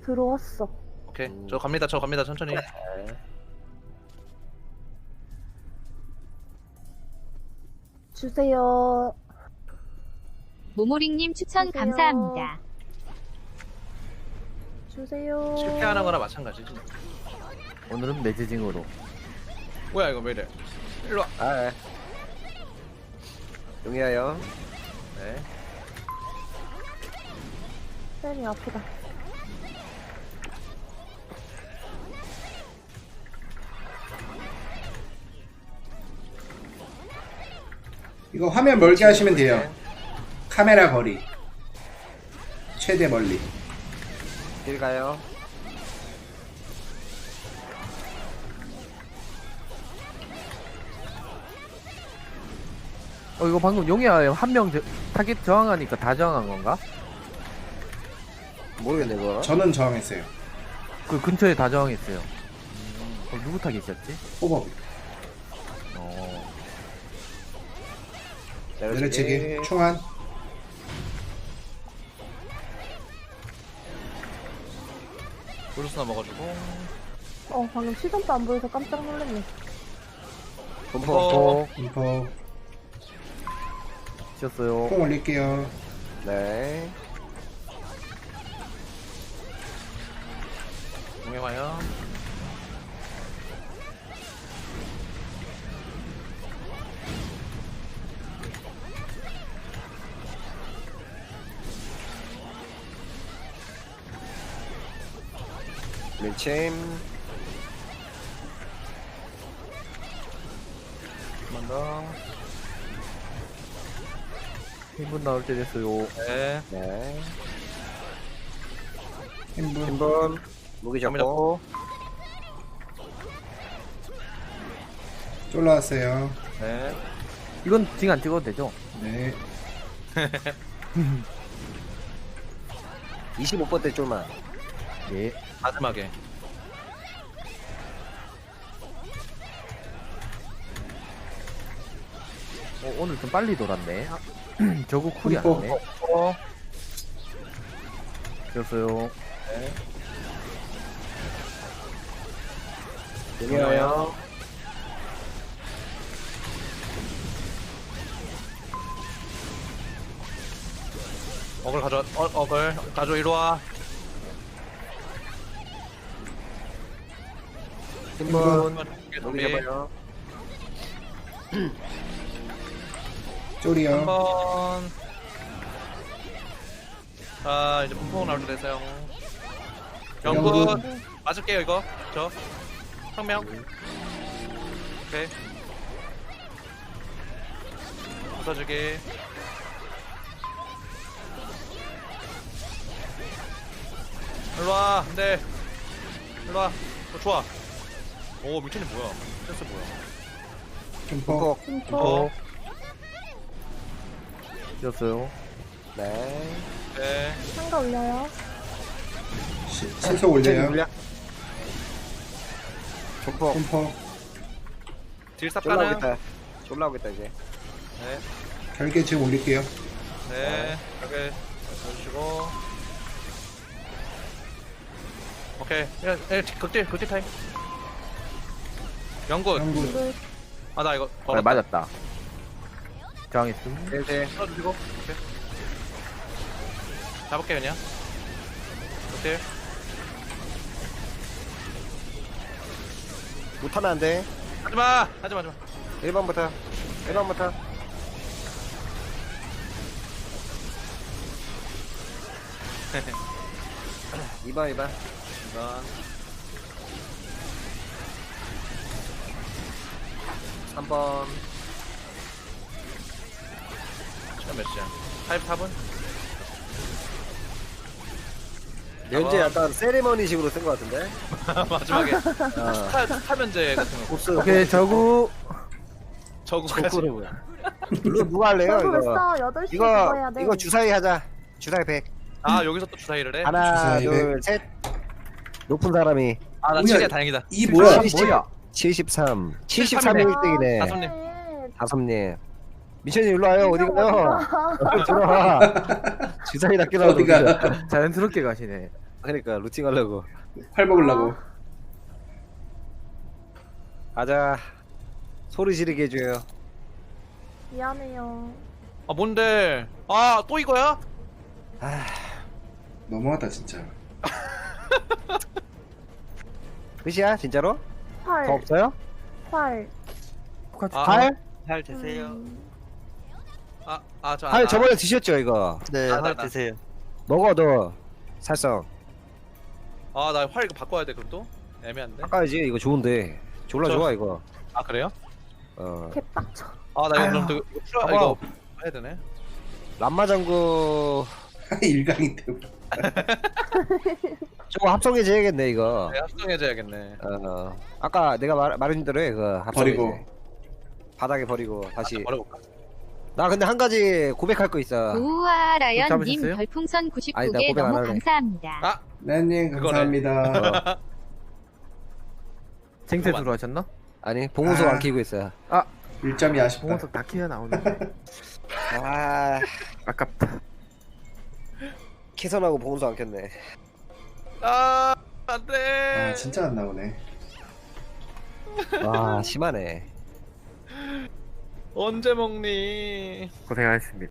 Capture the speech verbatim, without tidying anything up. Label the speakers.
Speaker 1: 들어왔어.
Speaker 2: 오케이.
Speaker 3: 음.
Speaker 2: 저 갑니다. 저 갑니다. 천천히.
Speaker 3: 네.
Speaker 1: 주세요.
Speaker 4: 모모링님 추천
Speaker 1: 주세요.
Speaker 4: 감사합니다.
Speaker 1: 주세요.
Speaker 2: 실패하는 거나 마찬가지지.
Speaker 5: 오늘은 매지징으로.
Speaker 2: 뭐야 이거 왜 이래? 일로 와.
Speaker 3: 아, 예. 용이하여.
Speaker 2: 네.
Speaker 1: 쌤이 아프다.
Speaker 6: 이거 화면 멀게 하시면 돼요. 카메라 거리 최대 멀리.
Speaker 3: 길 가요.
Speaker 5: 어 이거 방금 용이야 한 명 타겟 저항하니까 다 저항한 건가?
Speaker 3: 모르겠네 그거.
Speaker 6: 저는 저항했어요.
Speaker 5: 그 근처에 다 저항했어요. 어, 누구 타겟이었지?
Speaker 6: 호법
Speaker 5: 어.
Speaker 6: 내려치기 충한.
Speaker 2: 브루스 넘어가지고.
Speaker 1: 어, 방금 시선도 안 보여서 깜짝 놀랐네.
Speaker 3: 분포.
Speaker 2: 어.
Speaker 6: 인포
Speaker 5: 치셨어요.
Speaker 6: 콩 올릴게요.
Speaker 3: 네.
Speaker 2: 용해 와요.
Speaker 3: 밀침.
Speaker 2: 한 번 더.
Speaker 5: 일 분 나올 때 됐어요.
Speaker 2: 네.
Speaker 3: 네.
Speaker 6: 힘분
Speaker 3: 신분. 무기
Speaker 2: 잡고.
Speaker 3: 잡고.
Speaker 6: 쫄라왔어요.
Speaker 2: 네.
Speaker 5: 이건 징 안 찍어도 되죠?
Speaker 6: 네.
Speaker 3: 이십오 번 때 쫄만.
Speaker 5: 예.
Speaker 2: 마지막에.
Speaker 5: 어, 오늘 좀 빨리 돌았네. 아, 저거 쿨이 안
Speaker 6: 분포.
Speaker 5: 나네.
Speaker 2: 어.
Speaker 5: 치셨어요.
Speaker 3: 용이하여.
Speaker 2: 어글 가져. 어, 어글 가져. 이리 와.
Speaker 3: 신분.
Speaker 2: 무기
Speaker 3: 무기
Speaker 2: 준비.
Speaker 3: 잡아요.
Speaker 6: 쫄이요.
Speaker 2: 한번. 자 이제 풍풍 나올 때 되세요. 영군
Speaker 6: 영군.
Speaker 2: 맞을게요 이거. 저. 성명. 오케이. 부서주기. 일로와. 네. 일로와. 어, 좋아. 오 미천이 뭐야? 센스 뭐야?
Speaker 6: 분포
Speaker 3: 분포.
Speaker 1: 심포.
Speaker 2: 어.
Speaker 5: 치셨어요.
Speaker 3: 네.
Speaker 2: 네.
Speaker 1: 상가 올려요.
Speaker 6: 시, 신속 올려요.
Speaker 3: 분포.
Speaker 6: 분포
Speaker 2: 딜
Speaker 3: 쫄라
Speaker 2: 쌉가는.
Speaker 3: 오겠다. 쫄라 오겠다 이제.
Speaker 2: 네.
Speaker 6: 결계 지금 올릴게요.
Speaker 2: 네. 이렇게 해주시고. 오케이. 예, 예, 극딜, 극딜 타임. 영군.
Speaker 6: 영군
Speaker 1: 물.
Speaker 2: 아, 나 이거
Speaker 5: 아,
Speaker 2: 걸었다.
Speaker 5: 맞았다. 저항했음.
Speaker 3: 네.
Speaker 2: 써주시고. 오케이. 잡을게 그냥. 극딜.
Speaker 3: 못하면 안 돼.
Speaker 2: 하지마. 하지마, 하지마.
Speaker 3: 일 번부터. 일 번부터. 이 번, 이 번.
Speaker 2: 이건
Speaker 3: 삼 번.
Speaker 2: 시간 몇 시야? 팔십사 분?
Speaker 3: 면제
Speaker 2: 아.
Speaker 3: 약간 세리머니식으로 쓴 것 같은데?
Speaker 2: 마지막에
Speaker 3: 어.
Speaker 2: 스타, 스타 면제 같은 거.
Speaker 3: 곱슬.
Speaker 5: 오케이 저구.
Speaker 2: 저거까지.
Speaker 3: 저거는 뭐야? 이거 누가 할래요,
Speaker 1: 저도
Speaker 3: 이거?
Speaker 1: 했어. 여덟 시에 그거 해야
Speaker 3: 이거,
Speaker 1: 돼.
Speaker 3: 이거 주사위 하자. 주사위 백.
Speaker 2: 아, 여기서 또 주사위를 해?
Speaker 3: 하나,
Speaker 6: 주사위
Speaker 3: 둘, 셋. 높은 사람이.
Speaker 2: 아, 나
Speaker 6: 뭐야,
Speaker 2: 칠이야, 다행이다.
Speaker 6: 이 뭐야?
Speaker 5: 뭐야?
Speaker 3: 칠십삼. 칠십삼이
Speaker 2: 칠십삼이네.
Speaker 3: 일 등이네.
Speaker 2: 다섯 손님.
Speaker 1: 네.
Speaker 3: 다솜님. 미션이 일로 와요. 어디 가요?
Speaker 1: 인정
Speaker 3: 들어와. 주사위 낚게 나오고.
Speaker 6: 어디가?
Speaker 5: 자연스럽게 가시네.
Speaker 3: 그러니까 루팅 하려고.
Speaker 6: 활 먹으려고.
Speaker 3: 가자. 소리 지르게 해줘요.
Speaker 1: 미안해요.
Speaker 2: 아 뭔데? 아 또 이거야?
Speaker 3: 아,
Speaker 6: 너무하다 진짜.
Speaker 3: 끝이야 진짜로? 더
Speaker 1: 활,
Speaker 3: 없어요?
Speaker 1: 활.
Speaker 5: 똑같이
Speaker 2: 아,
Speaker 3: 팔?
Speaker 4: 잘 드세요.
Speaker 1: 음,
Speaker 2: 아, 아, 저,
Speaker 3: 팔
Speaker 2: 아,
Speaker 3: 저번에 드셨죠 이거?
Speaker 4: 네,
Speaker 2: 아, 나,
Speaker 4: 잘
Speaker 2: 나.
Speaker 4: 드세요.
Speaker 3: 먹어 너. 살성.
Speaker 2: 아, 나 활 이거 바꿔야 돼, 그럼 또? 애매한데?
Speaker 3: 아까지 이거 좋은데. 졸라
Speaker 2: 저-
Speaker 3: 좋아 이거.
Speaker 2: 아, 그래요?
Speaker 3: 어.
Speaker 1: 개빡쳐.
Speaker 2: 아, 나 이거 그럼 또 이거 풀어,
Speaker 3: 봐봐.
Speaker 2: 이거 해야 되네.
Speaker 3: 람마장구
Speaker 6: 일강인데.
Speaker 3: 저거 합성해줘야겠네 이거.
Speaker 2: 네, 합성해줘야겠네.
Speaker 3: 어. 아까 내가 말, 말한 대로 해 그거 합성해줘.
Speaker 6: 버리고.
Speaker 3: 바닥에 버리고 다시.
Speaker 2: 버려볼까?
Speaker 3: 나 근데 한 가지 고백할 거 있어.
Speaker 7: 우와 라연님
Speaker 5: 잡으셨어요?
Speaker 7: 별풍선
Speaker 3: 아니, 나
Speaker 7: 구십구 개
Speaker 3: 고백 안
Speaker 7: 너무
Speaker 3: 할래.
Speaker 7: 감사합니다.
Speaker 2: 아,
Speaker 6: 나님
Speaker 2: 그거네.
Speaker 6: 감사합니다.
Speaker 3: 어.
Speaker 5: 쟁세
Speaker 2: 잠깐만.
Speaker 5: 들어가셨나?
Speaker 3: 아니 봉우석
Speaker 6: 아.
Speaker 3: 안 키고 있어.
Speaker 6: 일 점이 아쉽다.
Speaker 5: 봉원석 다 키가 나오네.
Speaker 3: 아
Speaker 5: 아깝다.
Speaker 3: 캐선하고 봉우석 안 켰네.
Speaker 2: 아, 안 돼.
Speaker 6: 아 진짜 안 나오네.
Speaker 3: 와 심하네.
Speaker 2: 언제 먹니?
Speaker 5: 고생하셨습니다.